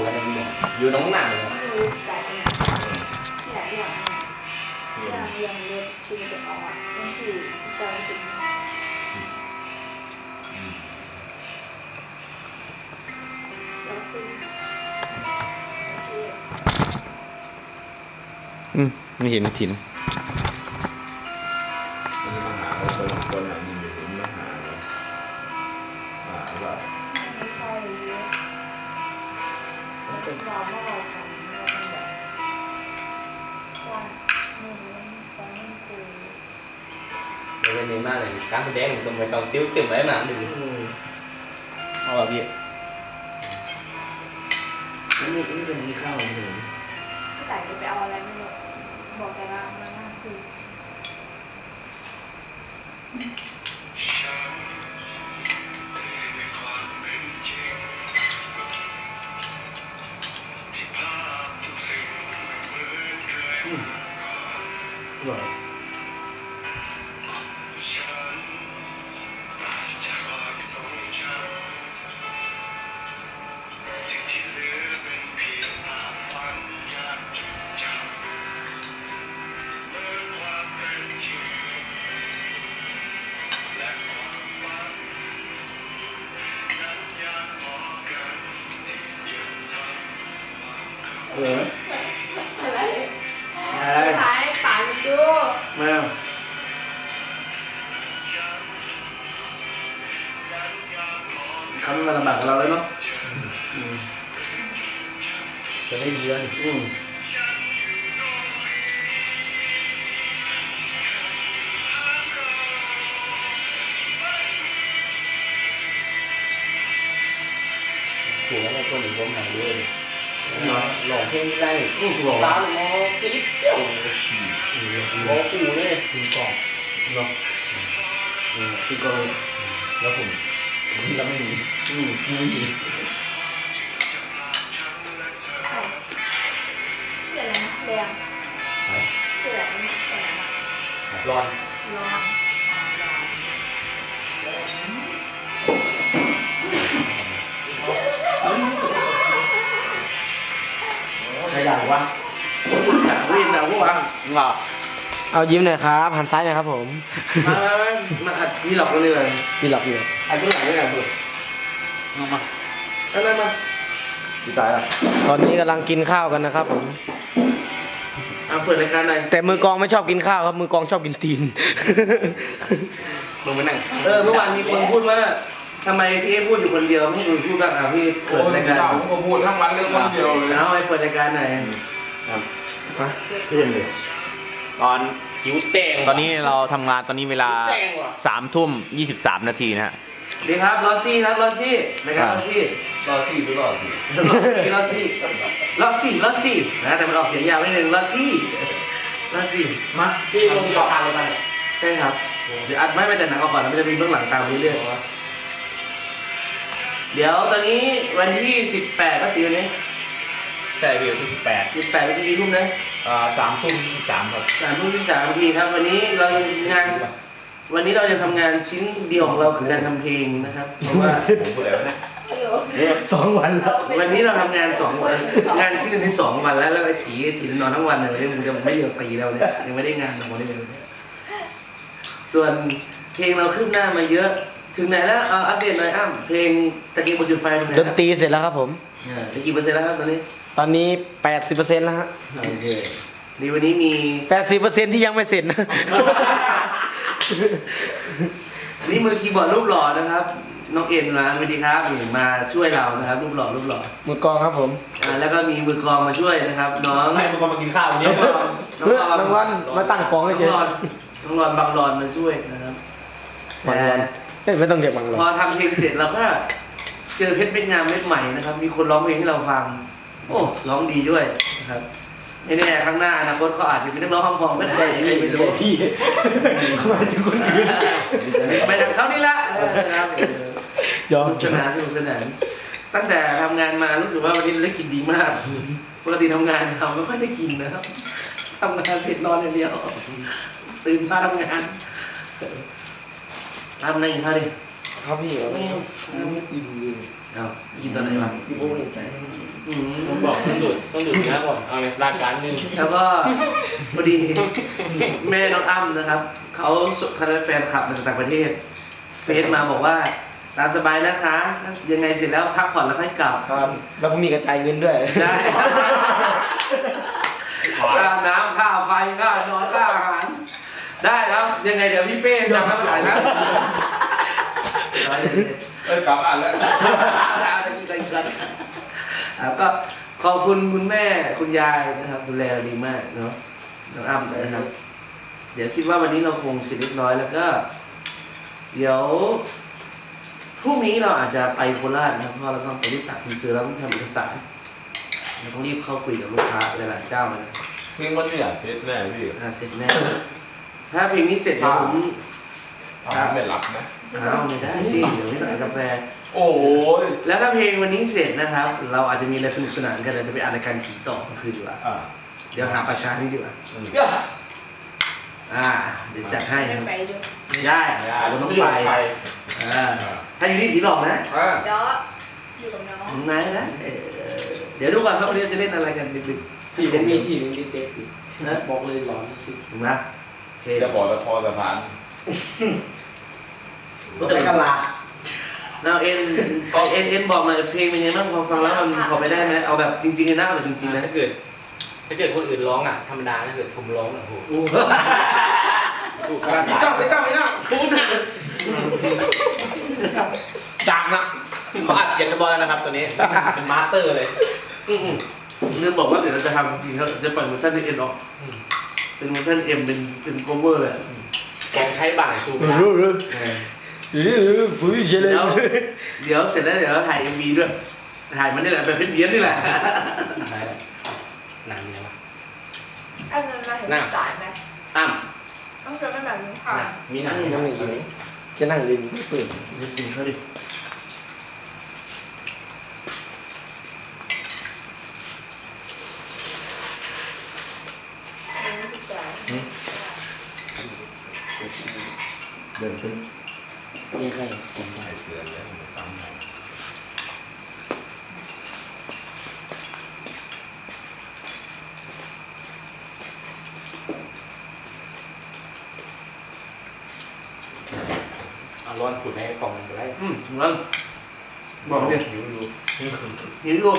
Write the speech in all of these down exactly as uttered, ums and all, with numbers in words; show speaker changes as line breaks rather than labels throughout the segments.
ตัวกันยังอยู่น้องหนังเลย
อยู่แต่เนี่ยหลายอย่างอย่างอย่างเล็กคือจะออกนั่นคือสตอรี่จริง
อืมไม่เห็นถิ่น
มาหาเราคนคนไหนยินอยู่ถึงมาหาเราหาว่า
ไม่ใช่เยอะมันเป็นดราม่าของเราแบบว่าหนึ่งตอนนี้คือ
เลยนี่มากเลยการแสดงตรงไปตรงติ้วติ้วไว้มาดูเอาแบบนี้
นี่นี่จะมีข้าวหนึ่ง
พี่ไก่จะไปเอาอะไรไม่รู้บอกแต่ละมันน่าคือ
ว่าเออ
อะไร
อะไร
ขายป่าจู
มาเขาไม่มาลำบากกับเราแล้วเนาะ
จะได้ดีแล้วนี่
อืม
ถูกแล้วในคนหนึ่งผมหายด้วยหลอกเพลงได้ตาหมอกริ๊บเจ้าหมอขู่เลยถึงกรอบ
เนาะคือกอง
แล้วผมเราไม่มี
อืมไม่มี
เดี๋ยวนะแดงเดี๋ยวนะแดง
ร้อน
ร้อน
ใครอยากวะอยากวิ่งนะพวกวะ
หรอเอายิ้มหน่อยครับหันซ้ายหน่อยครับผม
มามามามาอัดพี่หลอกกันเลย
พี่หลับอยู่
อัดเบื้องหลังด้วยกันเพื่อน
มามา
เอามามาพี่ตายละ
ตอนนี้กำลังกินข้าวกันนะครับผม
เอาเปิดรายการหน่อย
แต่มือกองไม่ชอบกินข้าวครับมือกองชอบกินตีน
มึงไปนั่ง
เออเมื่อวานมีคนพูดว่าทำไมพี่เอพูดอยู่คนเดียวไม่ให้ดูพูดบ้างอ่ะพี่เปิดรายการ
ผมก็พูดทั้งวันเรื่องคนเดียวเลย
เอาไปเปิดรายการหน่อยครับพี่ยังเลย
ตอน
หิวแตง
ตอนนี้เราทำงานตอนนี้เวลา
แตงว่ะ
สามทุ่มยี่สิบสามนาทีนะฮะ
ดีครับลอซี่ครับลอซี่รายการลอซี่
รอซี่หรือรอซี่
ลอซี่ลอซี่ลอซี่นะแต่มันออกเสียงยาวนิดนึงลอซี่ลอซี่มา
พี่ลงที่ราคาเลยป่ะเนี่ย
ใช่ครับเดี๋ยวอัดไม่ไปแต่หนังออกก่อนแล้วมันจะมีเบื้องหลังตามเรื่อยๆเดี๋ยวตอนนี้วันที่สิบแปดก็ตีวันนี้
ใช่พี่ที่สิบแปด
สิบแปดเป็นกี่ทุ่มนะ
อ่าสามทุ่มยี่สิบสามครับ
สามทุ่มที่สามนาทีครับ วันนี้เรางาน วันนี้เราจะทำงานชิ้นเดียวของเราคือการทำเพลงนะครับเพราะว่า
ผมพูดอะไรวะเนี่ย
สองวันแล้ว
วันนี้เราทำงานสองวันงานชิ้นนี้สองวันแล้วแล้วไอ้ถีไอ้ถีนอนทั้งวันเลยมันจะไม่เลิกตีเราเนี่ยยังไม่ได้งานทั้งหมดเลยส่วนเพลงเราขึ้นหน้ามาเยอะถึงไหนแล้วเอาอัปเดตหน่อยอ้ำเพลงตะกี้บนจุดไฟตรงไหน
ดนตรีเสร็จแล้วครับผม
ตะกี้เปอร์เซ็นต์แล้วครับตอนนี้
ตอนนี้แปดสิบเปอร์เซ็นต์แล้วฮะ
โอเคดีวันนี้มี
แปดสิบเปอร์เซ็นต์ที่ยังไม่เสร็จนะ
นี่มือคีย์บอร์ดรูปหล่อนะครับน้องเอ็นนะสวัสดีครับมาช่วยเรานะครับรูปหล่อรูปหล่อ
มือกองครับผม
อ่าแล้วก็มีมือกลองมาช่วยนะครับ น้อง
ให้มึงมากินข้าววันนี้
น้องรอนน้อง
เพื่อ
รอน
รางวัลมาตั้งกอง
น้
ให้
อง
เฉย
รอนน้องรอนบางรอนมาช่วยนะครับ
บางรอนเอ้ยไม่ต้องเรียกบางรอ
พอน ทำเพลงเสร็จเราก็เจอเพชรเม็ดงามเม็ดใหม่นะครับ มีคนร้องเพลงให้เราฟังโอ้ร้องดีด้วยนะครับไม่แน่ข้างหน้าอนาคตเขาอาจจะเป็นนักร้องคำพองก็ได้ใครไม่รู้
พี่หมายถึงคนอื่น
ไปทางเขานี่ละนะครับ
ยอม
สนุกสนานสนุกสนานตั้งแต่ทำงานมารู้สึกว่าวันนี้เราได้กินดีมากปกติทำงานเราไม่ค่อยได้กินนะครับทำงานเสร็จนอนอย่างเดียวตื่นมาทำงานทำอะไรอีกครับดิ
ครับพี่
ไม่
ไม่กินเลย
ทเอากินตอนไหนวะ
พี่โอ้ยใจ
อืม
ผมบอกต้องดูดต้องดูดเนื้อก่อนเอาเลยรายการหนึ่ง
แล้วก็พอดีแม่น้องอ้ำนะครับเขาคณะแฟนคลับมาจากต่างประเทศ เฟซมาบอกว่าตามสบายนะคะ ยังไงเสร็จแล้วพักผ่อนแล้วค่อยกลับ
ครับแล้วพรุ่งนี้กระจายเงินด้วย
ได้ค่าน้ำค่าไฟค่านอนค่าอาหารได้ครับยังไงเดี๋ยวพี่เป้จำน้ำหลายนะ
เอ้ยกลับอ่านแล้ว
ก็ขอบคุณคุณแม่คุณยายนะครับดูแลดีมากเนาะน้องอ้ำนะครับ เดี๋ยวคิดว่าวันนี้เราคงเสร็จเรียบร้อยแล้วก็ เดี๋ยวพรุ่งนี้เราอาจจะไปโคราชนะครับเพราะเราต้องไปรีบตัดทีเซอร์แล้วต้องทำเอกสารเราต้องรีบเข้าคุยกับลูกค้าหลายๆเจ้าเลยนะ
เพลงมันเนี่ยเทสแน่พี่
อ่าเสร็จแน่ถ้าเพลงนี้เสร็จเดี๋ยวผม
ทำไม่หลับนะ
เอาไม่ได้สิเดี๋ยวไม่สั่งกาแฟ
โอ้ย
แล้วถ้าเพลงวันนี้เสร็จนะครับ เราอาจจะมีอะไรสนุกสนานกันเราจะไปอ่านรายการผีต่อคืนดีกว่า
อ่า
เดี๋ยวหาประชานี่ดีกว่า
อืม
อ่าเดี๋ยวจัดให้
ไม่
ครับ
ไปดู
ได้เราต้องไปอ่าถ้าอยู่นี่ผีหลอกนะ
อ่า
เดี๋ยวอยู่กับน้อง
มึงนายนะเออเดี๋ยวดูก่อนครับวันนี้จะเล่นอะไรกันดึก
พี่ผมมีที่หนึงที่เป๊ะอยู่นะบอกเลยหลอนสุด
ๆถูกไหมโอเค
จะบอกละครสะพาน
ไปกะลา
เราเอ็นเอ็นเอ็นบอกหน่อยเพลงเป็นไงบ้างพอฟังแล้วมันพอไปได้ไหมเอาแบบจริงๆเลยนะเอาแบบจริงๆนะ
ถ้าเกิด ถ้าเกิดคนอื่นร้องอ่ะธรรมดาถ้าเกิดผมร้องอ่ะโอ้โห
พี่ก้าวพี่ก้าวพี่ก้าวพูดดังนะเขาอัดเสียงกันบอลแล้วนะครับตัวนี้เป็นมาสเตอร์เลย
อืมเรื่องบอกว่าเดี๋ยวเราจะทำจริงๆครับจะปล่อยเวอร์ชันเอ็นออกเป็นเวอร์ชันเอ็มเป็นเป็นโคเวอร์เลย
กองใช้บ่างถูก
รู้รู้
เออปุ้ยเฉลย
เดี๋ยวเดี๋ยวเสร็จแล้วเดี๋ยวเราถ่ายเอ็มวีด้วยถ่ายมันนี่แหละแบบเพี้ยนๆนี่แหละ
ได้แล้วนานยังวะ
อันนั้นมาเห็นจ่ายไหม
อ้ำ
ต้องเจอไม่แบบนี้ค่ะ
มีหนังนั่งอยู่นี่จะนั่งริมเปิด
จริงๆเขาดิ
อันนี้คือจ่าย
เดินขึ้น
มีใคร
ผมไม่เตือนแล้วผมซ้ำให้
เอาร้อนขุดให้กล่องมันไปได้
อืมงั้นบอกเนี่ย
หิวอยู่
หิวอยู่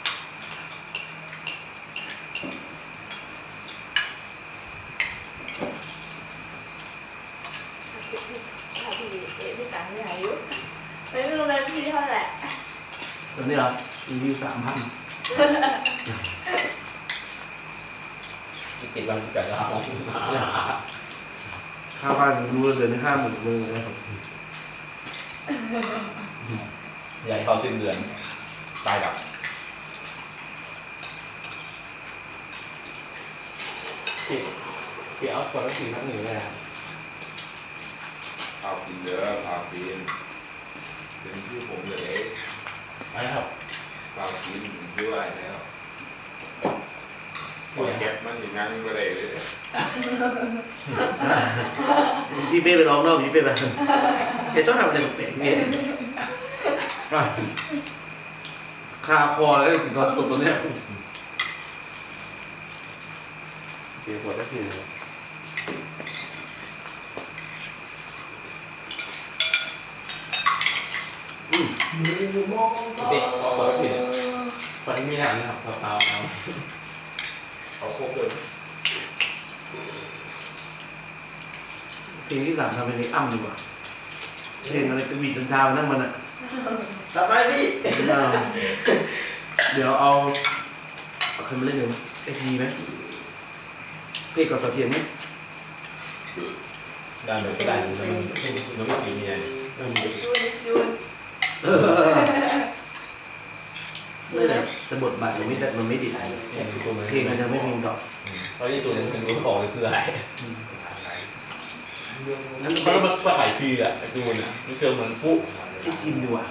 ถ้าพี่เอ๊ะพี่จ่ายไม่ไหนอยู่ไม่รู้เลยพี่เท่าไหร่
ตอนนี้เหรอรีวิวสามพัน
ติดวันเกิดเรา
ค่าบ้านรู้ว่าเดือนห้าหมื่นเลยนะครับ
ใหญ่เข้าสิ้นเดือนตายกับ
พี่พี่เอาคนละสี่ครั้งหนึ่งเลยนะ
พากินเยอะพากินเป็นที่ผมเลย
ไปครับ
พากินด้วยแล้วปล่อยแก๊ปมันอย่างนั้นก็ได้เลย
พี่เป้ไปร้องนอกพี่เป้ไปแกชอบทำอะไรแปลกๆเนี่ยคาคอแล้วถึงตอนตกตัวเนี้ย
เกี่ยวกับก็คือ
อืม
เด็กคนละคือคนนี้มีหนังนะครับเปล่าๆเอา
เขาครบเลย
เพลงที่สามทำเป็นเพลงอ้ำดีกว่าเพลงอะไรกระบี่จนเช้านั่งมันอ่ะ
ต่อไปพี่
เดี๋ยวเอาเอาใครมาเล่นเลยมั้ยไอพีไหมเพลงกับเสาเทียนไหม
ได้เลยก็ได้มันมันมันไม่กี่เมีย
ยูนยูน
เออไม่แต่แต่บทบาทมันไม่ได้มันไม่ดีเพลงมันยังไม่เพลงดอก
เพราะที่ตัวนึงเป็นรู้บอกเลยคืออะไร
งั้น
เพราะมันก็ขายฟรีอ่ะดูน่ะมันเจอเหมือนปุ๊
ที่ทีมดีกว่า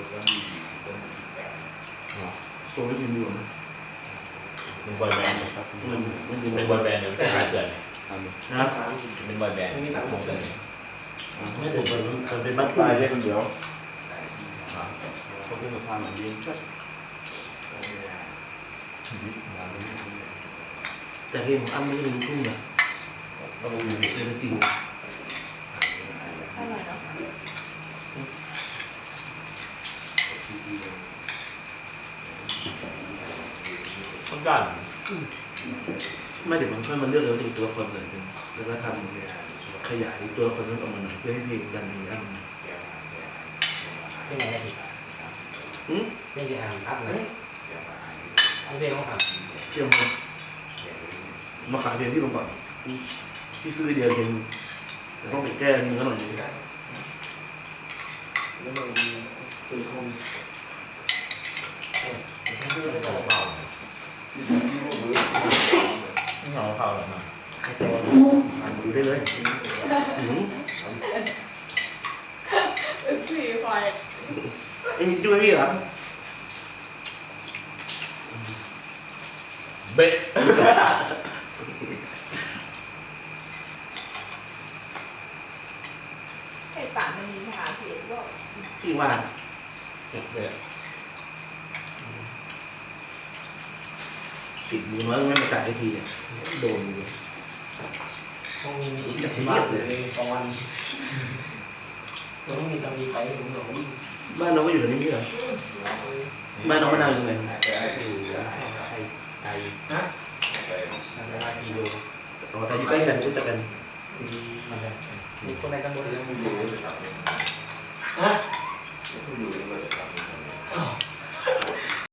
โซ่ไม่ทีมดีกว่านะ
เป็นบอยแบนด์
มันมันดู
เป็นบอยแบนด์เดี๋ยวจะหาเกิด
นะ
เป็นบอยแบนด์ไม่ตัดผมเลย
ไม่ถูกมันมันเป็นบ้าน
ตายเล่นคนเดียว
โอ้โห
รื่องกับทางเหมือนยิงก็
แต่เพลงของอ้ำไม่ใช่เพลงลูกทุ่งนะ
ก็ต้องมี
เพลงจริง
อร่อยเนาะ
ต้องการ
ไม่เดี๋ยวมันค่อยมาเลือกแล้วถึงตัวละครเลยแล้วก็ทำขยายตัวละครนั้นออกมาหน่อยเพื่อให้เพลงดันเพลงอ้ำ
ไม่ไงได้ผิด
อืม
ไม่ได้อ่านอัพเลยอัพเพลงต้องท
เชื่อมั้ยมาขายเพลงที่ลงก่อนที่ซื้อเดียวเพลงแต่ต้องไปแก้เนื้อหน่อยนึง
แล้วมันคือคง
ไม่เอาเผาไม่เอาเผาหรอกนะ
ใครแต่ดูได้เลยอืม
อึกสี่ไฟ
ไอ้มีด้วยพี่เหรอ
เบ๊ะ
ไอ้ป่ามันมีหาเพจว่า
พี่ว่า
เบ๊ะ
ติดมือน้อยไม่มาจ่ายได้ทีเนี่ยโดนอยู่
ำพวกนี้มี
ที่
ที่
จะ
จะ
เที
มาย
บเลย
เลยตอนต้องมีตำมีไปถึงหนู
บ้านน้องก็อยู่ตรงนี้พี่เหรอบ้านน้องมะนาวอยู่ไหน
อยู่ไทยไทยนะเวลากี่โล
อ๋อแต่อยู่ใกล้กันรู้จักกัน
มันเลยมีคนในตำบลเรื่อง
อยู่เลยครับ
ฮะ
อยู่เลย